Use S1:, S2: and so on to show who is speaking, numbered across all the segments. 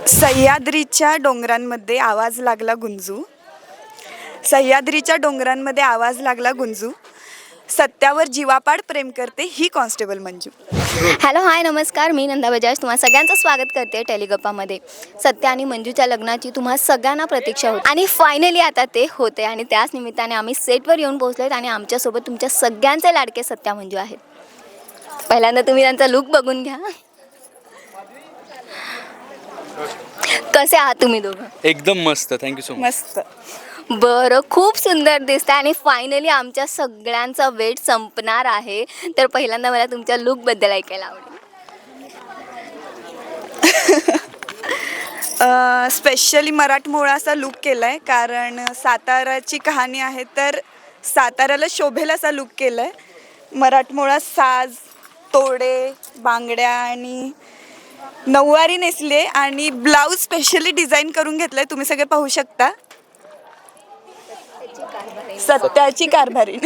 S1: सह्याद्रीच्या डोंगरांमध्ये आवाज लागला गुंजू. सह्याद्रीच्या डोंगरांमध्ये आवाज लागला गुंजू. सत्यावर जीवापाड प्रेम करते ही कॉन्स्टेबल मंजू.
S2: हॅलो हाय नमस्कार, मी नंदा बजाज तुम्हा सगळ्यांचं स्वागत करते टेलिगप्पामध्ये. सत्या आणि मंजूच्या लग्नाची तुम्हा सगळ्यांना प्रतीक्षा होती आणि फायनली आता ते होते आणि त्याच निमित्ताने आम्ही सेटवर येऊन पोहोचलोत आणि आमच्यासोबत तुमच्या सगळ्यांचे लाडके सत्या मंजू आहेत. पहिल्यांदा तुम्ही त्यांचा लुक बघून घ्या. कसे आहात तुम्ही दोघं?
S3: एकदम मस्त, थँक्यू सो मच.
S1: मस्त.
S2: बरं, खूप सुंदर दिसतं आणि फायनली आमच्या सगळ्यांचा वेट संपणार आहे. तर पहिल्यांदा मला तुमच्या लुकबद्दल ऐकायला आवडेल.
S1: स्पेशली मराठमोळा असा लुक केला आहे, कारण साताराची कहाणी आहे, तर साताऱ्याला शोभेल असा लुक केला आहे. मराठमोळा साज, तोडे, बांगड्या आणि नऊवारी नेसले आणि ब्लाऊज स्पेशली डिझाईन करून घेतलं आहे. तुम्ही सगळे पाहू शकता. सत्याची कारभारी.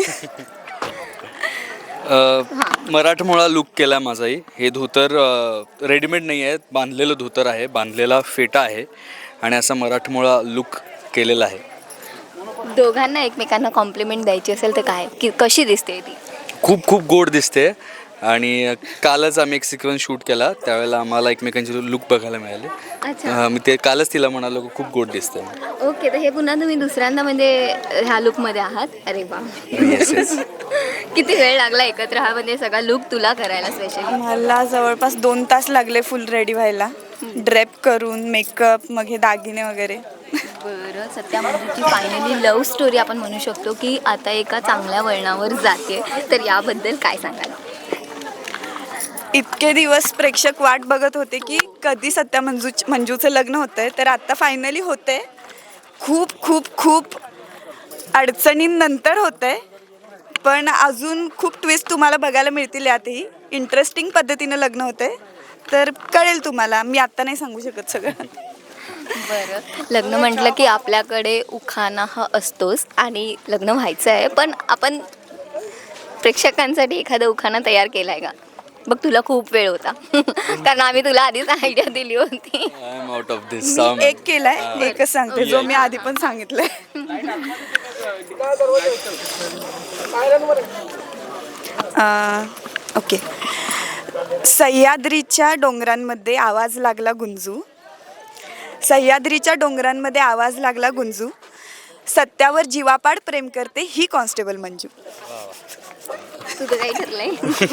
S3: मराठमोळा लुक केला माझाही. हे धोतर रेडीमेड नाही आहे, बांधलेलं धोतर आहे, बांधलेला फेटा आहे आणि असा मराठमोळा लुक केलेला आहे.
S2: दोघांना एकमेकांना कॉम्प्लिमेंट द्यायची असेल तर काय, की कशी दिसते ती?
S3: खूप खूप गोड दिसते आणि कालच आम्ही एक सिक्वेन्स शूट केला, त्यावेळेला आम्हाला एकमेकांचे लुक बघायला मिळाले.
S2: अच्छा,
S3: मी ते कालच तिला म्हणालो खूप गोड दिसते.
S2: ओके. तर हे पुन्हा तुम्ही दुसऱ्यांदा म्हणजे ह्या लुकमध्ये आहात? अरे वा.
S3: Yes yes.
S2: किती वेळ लागला एकत्र हा म्हणजे सगळा लुक तुला करायला स्पेशली?
S1: मला जवळपास 2 तास लागले फुल रेडी व्हायला, ड्रेप करून, मेकअप, मग हे दागिने वगैरे.
S2: बरं, सत्या मंजूची फायनली लव्ह स्टोरी आपण म्हणू शकतो की आता एका चांगल्या वळणावर जाते, तर याबद्दल काय सांगाल?
S1: इतके दिवस प्रेक्षक वाट बघत होते की कधी सत्या मंजूचं लग्न होतंय, तर आता फायनली होतंय. खूप खूप खूप अडचणींनंतर होतंय, पण अजून खूप ट्विस्ट तुम्हाला बघायला मिळतील. यातही इंटरेस्टिंग पद्धतीनं लग्न होतंय, तर कळेल तुम्हाला. मी आत्ता नाही सांगू शकत सगळं.
S2: बरं, लग्न म्हटलं की आपल्याकडे उखाणा हा असतोच आणि लग्न व्हायचं आहे, पण आपण प्रेक्षकांसाठी एखादा उखाणा तयार केला आहे का? बघ, तुला खूप वेळ होता कारण आम्ही तुला आधीच आयडिया दिली होती.
S3: I am out of this.
S1: मी एक केलाय, एकच सांगते जो मी आधी पण सांगितलंय. ओके. सह्याद्रीच्या डोंगरांमध्ये आवाज लागला गुंजू. सह्याद्रीच्या डोंगरांमध्ये आवाज लागला गुंजू. सत्यावर जीवापाड प्रेम करते ही कॉन्स्टेबल मंजू.
S2: तुझं काही ठरलंय?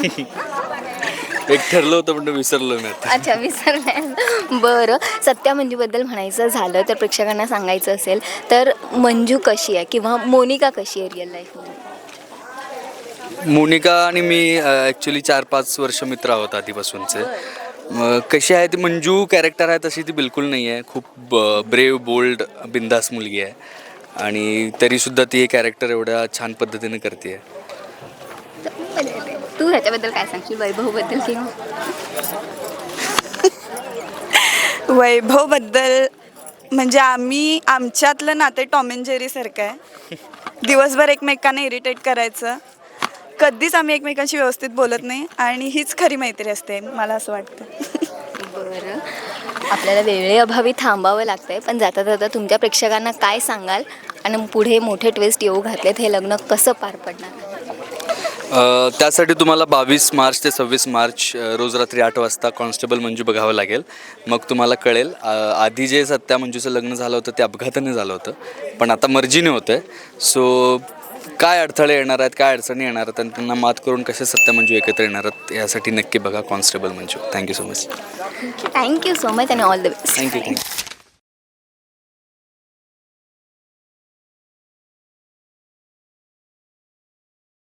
S3: एक ठरलं होतं पण विसरलो मी आता.
S2: अच्छा, विसरलंय. बरं, सत्या मंजूबद्दल म्हणायचं झालं तर प्रेक्षकांना सांगायचं असेल तर मंजू कशी आहे किंवा मोनिका कशी आहे रिअल लाईफमध्ये?
S3: मोनिका आणि मी ॲक्च्युली 4-5 वर्ष मित्र आहोत आधीपासूनचे. कशी आहे ती मंजू कॅरेक्टर आहे तशी ती बिलकुल नाही आहे. खूप ब्रेव, बोल्ड, बिंदास मुलगी आहे आणि तरीसुद्धा ती हे कॅरेक्टर एवढ्या छान पद्धतीने करते आहे.
S2: तू ह्याच्याबद्दल काय सांगशील, वैभवबद्दल किंवा?
S1: वैभवबद्दल म्हणजे आमच्यातलं नाते टॉम अँड जेरी सारखं आहे. दिवसभर एकमेकांना इरिटेट करायचं, कधीच आम्ही एकमेकांशी व्यवस्थित बोलत नाही आणि हीच खरी मैत्री असते, मला असं वाटतं.
S2: बरं, आपल्याला वेळेअभावी थांबावं लागतंय, पण जाता जाता तुमच्या प्रेक्षकांना काय सांगाल आणि पुढे मोठे ट्विस्ट येऊ घातलेत, हे लग्न कसं पार पडणार?
S3: त्यासाठी तुम्हाला 22 मार्च ते 26 मार्च रोज रात्री 8 वाजता कॉन्स्टेबल मंजू बघावं लागेल. मग तुम्हाला कळेल. आधी जे सत्या मंजूचं लग्न झालं होतं ते अपघाताने झालं होतं, पण आता मर्जीने होतं आहे. सो काय अडथळे येणार आहेत, काय अडचणी येणार आहेत आणि त्यांना मात करून कसे सत्या मंजू एकत्र येणार आहेत यासाठी नक्की बघा constable Manju. Thank you so much.
S2: Thank you so much आणि ऑल द बेस्ट.
S3: थँक्यू.